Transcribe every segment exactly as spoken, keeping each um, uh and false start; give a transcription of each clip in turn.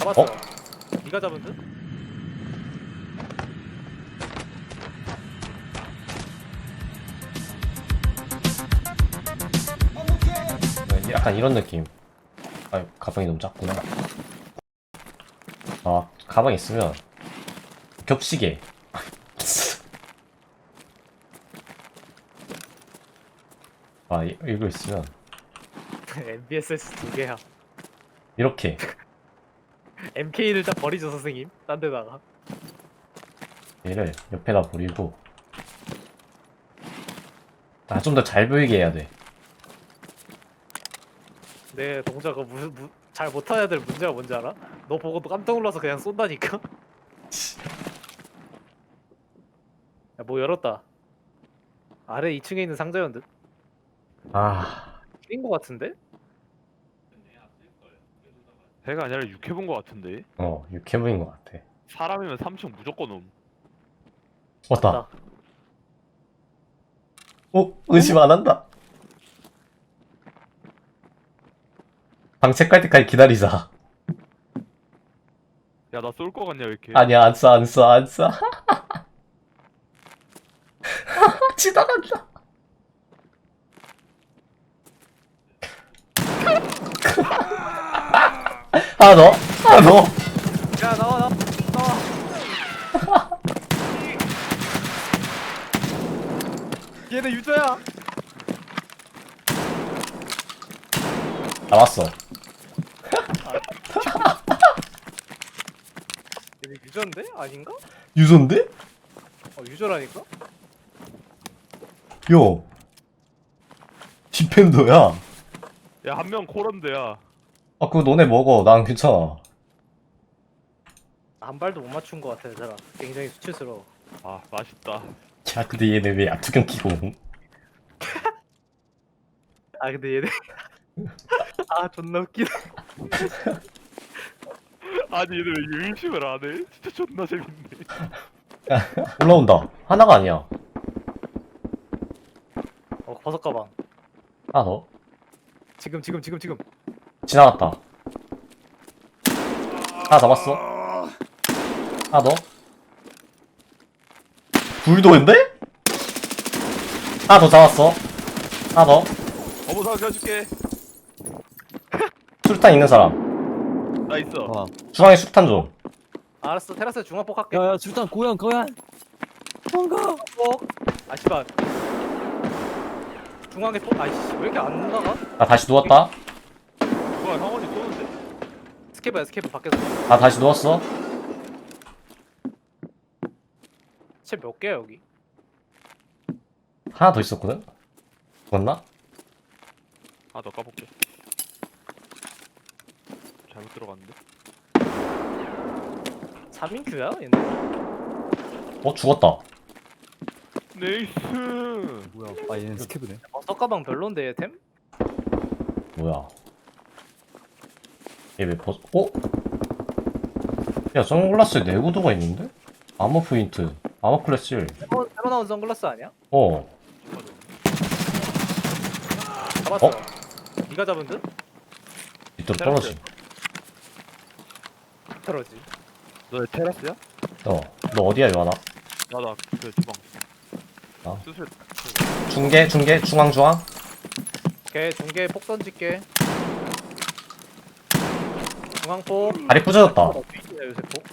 잡았어. 어? 네가 잡은 듯? 약간 이런 느낌. 아, 가방이 너무 작구나. 아, 가방 있으면 겹치게. 아, 이- 이거 있으면 엠비에스에스 두 개야. 이렇게. 엠케이를 딱 버리죠 선생님. 딴 데다가. 얘를 옆에다 버리고. 아, 좀 더 잘 보이게 해야 돼. 내 동작을 무슨 무, 잘 못하는 애들 문제가 뭔지 알아? 너 보고 너 깜짝 놀라서 그냥 쏜다니까? 야, 뭐 열었다. 아래 이 층에 있는 상자였는데? 아, 낀거 같은데? 배가 아니라 육해본 거 같은데? 어, 육해부인 것 같아. 사람이면 삼 층 무조건 옴. 왔다. 맞다. 어? 의심 안 한다. 방책 갈 때까지 기다리자. 야, 나 쏠 거 같냐, 왜 이렇게? 아니야, 안 쏴, 안 쏴, 안 쏴. 지나간다. 하나 더, 하나 더. 야 나와 나와 나와. 얘네 유저야. 나왔어. 얘네 유저인데? 아닌가? 유소인데? 어 유저라니까? 요. 디펜더야. 야, 한 명 코런데야. 아, 그거 너네 먹어. 난 괜찮아. 한 발도 못 맞춘 거 같아 얘들아. 굉장히 수치스러워. 아, 맛있다. 야, 근데 얘네 왜 약투경 끼고 옴? 아 근데 얘네 아 존나 웃기네. 아니, 얘들 왜 의심을 안 해? 진짜 존나 재밌네. 올라온다. 하나가 아니야. 어 버섯 가방. 하나 더. 지금 지금 지금 지금. 지나갔다. 하나 잡았어. 하나 더. 불도인데? 하나 더 잡았어. 하나 더. 어머, 사 켜줄게. 수류탄 있는 사람. 나 있어. 와. 중앙에 수류탄 좀. 알았어 테라스 중앙폭 할게. 야야 줄단 고양 고양. 뭔가. 폭. 아 씨발. 중앙에 폭. 아이씨 왜 이렇게 안 나가? 나 다시 누웠다. 뭐야, 형원이 쏘는데? 스케브야 스케브 밖에서. 나 다시 누웠어. 쟤 몇 개야 여기? 하나 더 있었거든? 죽었나? 아, 너 까볼게. 잘못 들어갔는데? 삼 인큐야 얘네? 어, 죽었다. 네이스! 뭐야? 아 얘는 스케브네. 버섯 가방 별론데 얘 템? 뭐야. 얘 왜 벗, 어? 야, 선글라스에 내구도가 있는데? 아머 포인트. 아머 클래스 일. 새로, 새로 나온 선글라스 아니야? 어. 잡았어. 어? 네가 잡은 듯? 밑으로 떨어지. 떨어지. 너 테라스야? 어. 너 어디야, 요하나? 나, 나, 그, 주방. 아. 수술. 중계, 중계, 중앙, 중앙. 오케이 중계 폭 던질게. 중앙폭. 다리 부서졌다. 어디 있냐 요새 폭?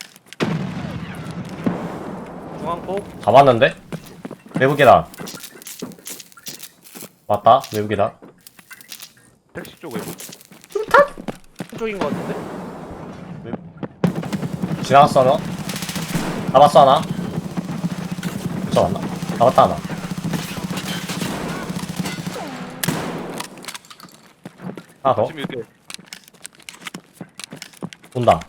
중앙폭. 잡았는데? 외부 계단. 맞다, 외부 계단. 택시 쪽 외부. 쪽인 거 같은데? 지나갔어, 하나? 잡았어, 하나? 잡았나? 잡았다, 하나. 하나 더? 십일 대. 온다.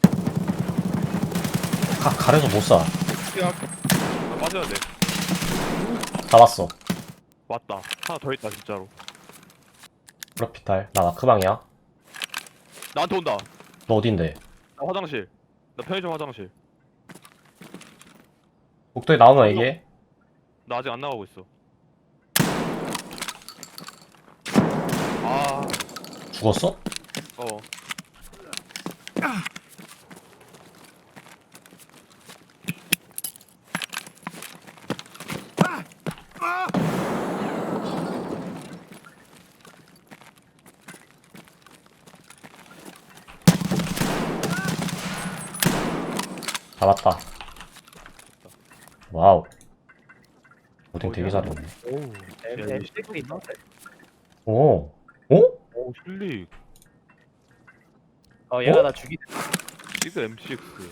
가, 가려서 못 쏴. 야, 나 빠져야 돼. 잡았어. 왔다. 하나 더 있다, 진짜로. 프로피탈. 나 마크방이야. 나한테 온다. 너 어딘데? 나 화장실. 나 편의점 화장실. 복도에 나오면 얘기해. 나 아직 안 나가고 있어. 아, 죽었어? 어. 잡았다. 와우. 오딩 되게 어디야? 잘했네. 오우 M 야, M 식스 있던데. 오. 오? 오 실릭 어 얘가 어? 나 죽이. 시그 엠 식스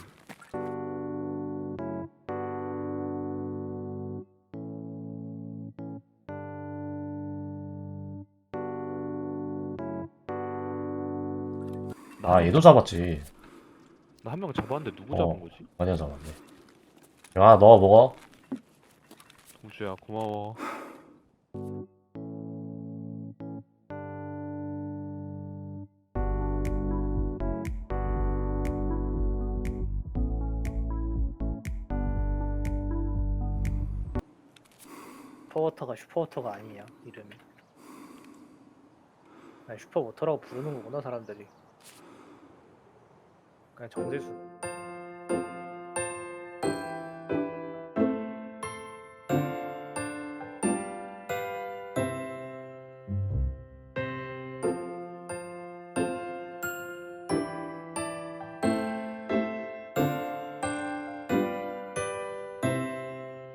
아, 얘도 잡았지. 나 한 명 잡았는데 누구 어. 잡은 거지? 아니야, 잡았네. 야, 너 먹어. 동주야 고마워. 슈퍼워터가 슈퍼워터가 아니야 이름이. 아니 슈퍼워터라고 부르는 거구나 사람들이. 그냥 정제수.